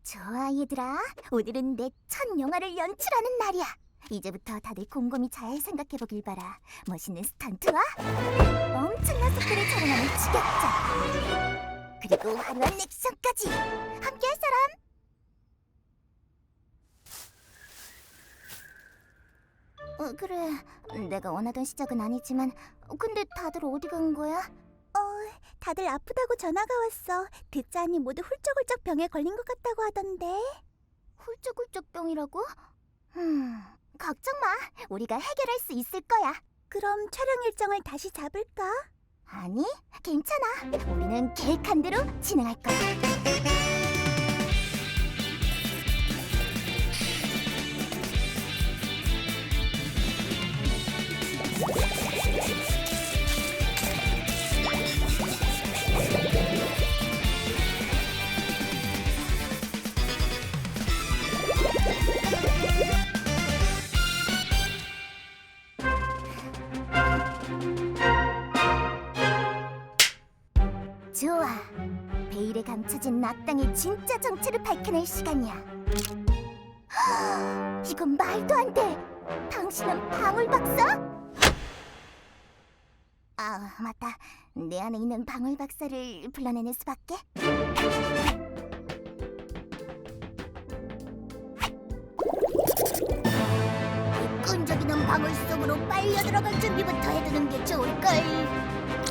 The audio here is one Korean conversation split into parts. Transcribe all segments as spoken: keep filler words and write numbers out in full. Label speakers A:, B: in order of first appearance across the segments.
A: 좋아 얘들아, 오늘은 내 첫 영화를 연출하는 날이야. 이제부터 다들 곰곰이 잘 생각해보길 바라. 멋있는 스턴트와 엄청난 속도를 자랑하는 추격자, 그리고 화려한 액션까지 함께할 사람. 어, 그래, 내가 원하던 시작은 아니지만 근데 다들 어디 간 거야? 어, 다들 아프다고 전화가 왔어. 듣자니 모두 훌쩍훌쩍 병에 걸린 것 같다고 하던데. 훌쩍훌쩍 병이라고? 음, 걱정 마. 우리가 해결할 수 있을 거야. 그럼 촬영 일정을 다시 잡을까? 아니, 괜찮아. 우리는 계획한 대로 진행할 거야. 좋아, 베일에 감춰진 악당의 진짜 정체를 밝혀낼 시간이야. 이건 말도 안 돼. 당신은 방울 박사? 아, 맞다. 내 안에 있는 방울 박사를 불러내는 수밖에. 이 끈적이는 방울 속으로 빨려 들어갈 준비부터 해두는 게 좋을걸.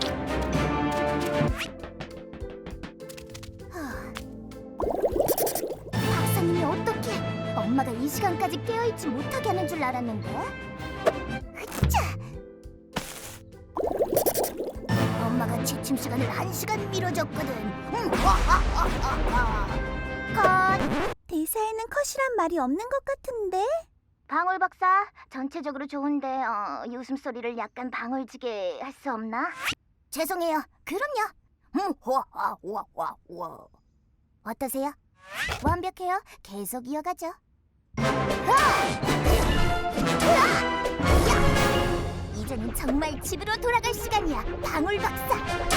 A: 박사님이 어떻게 엄마가 이 시간까지 깨어있지 못하게 하는 줄 알았는데? 으차! 엄마가 취침 시간을 한 시간 미뤄줬거든. 음, 컷! 대사에는 컷이란 말이 없는 것 같은데? 방울 박사, 전체적으로 좋은데 어, 이 웃음소리를 약간 방울지게 할 수 없나? 죄송해요. 그럼요. 음, 와, 와, 와, 와, 와. 어떠세요? 완벽해요. 계속 이어가죠. 이제는 정말 집으로 돌아갈 시간이야, 방울 박사.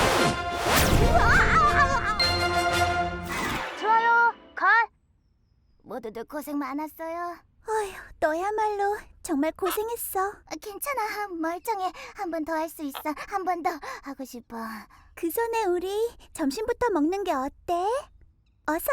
A: 좋아요, 컷. 모두들 고생 많았어요. 어휴, 너야말로 정말 고생했어. 괜찮아, 멀쩡해. 한 번 더 할 수 있어. 한 번 더 하고 싶어. 그 전에 우리 점심부터 먹는 게 어때? 어서.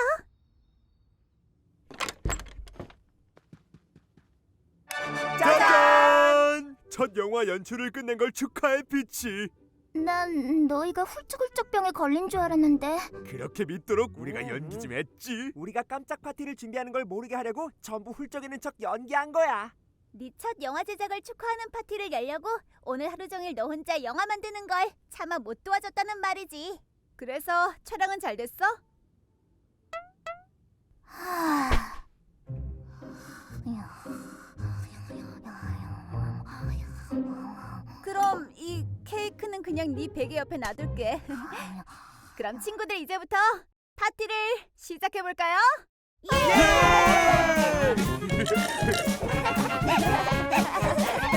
B: 짜잔! 첫 영화 연출을 끝낸 걸 축하해, 피치.
A: 난 너희가 훌쩍훌쩍 병에 걸린 줄 알았는데.
B: 그렇게 믿도록 우리가 연기 좀 했지.
C: 우리가 깜짝 파티를 준비하는 걸 모르게 하려고 전부 훌쩍이는 척 연기한 거야.
D: 네 첫 영화 제작을 축하하는 파티를 열려고 오늘 하루 종일 너 혼자 영화 만드는 걸 차마 못 도와줬다는 말이지. 그래서 촬영은 잘 됐어? 그럼 이 케이크는 그냥 네 베개 옆에 놔둘게. 그럼 친구들 이제부터 파티를 시작해볼까요?
B: 예!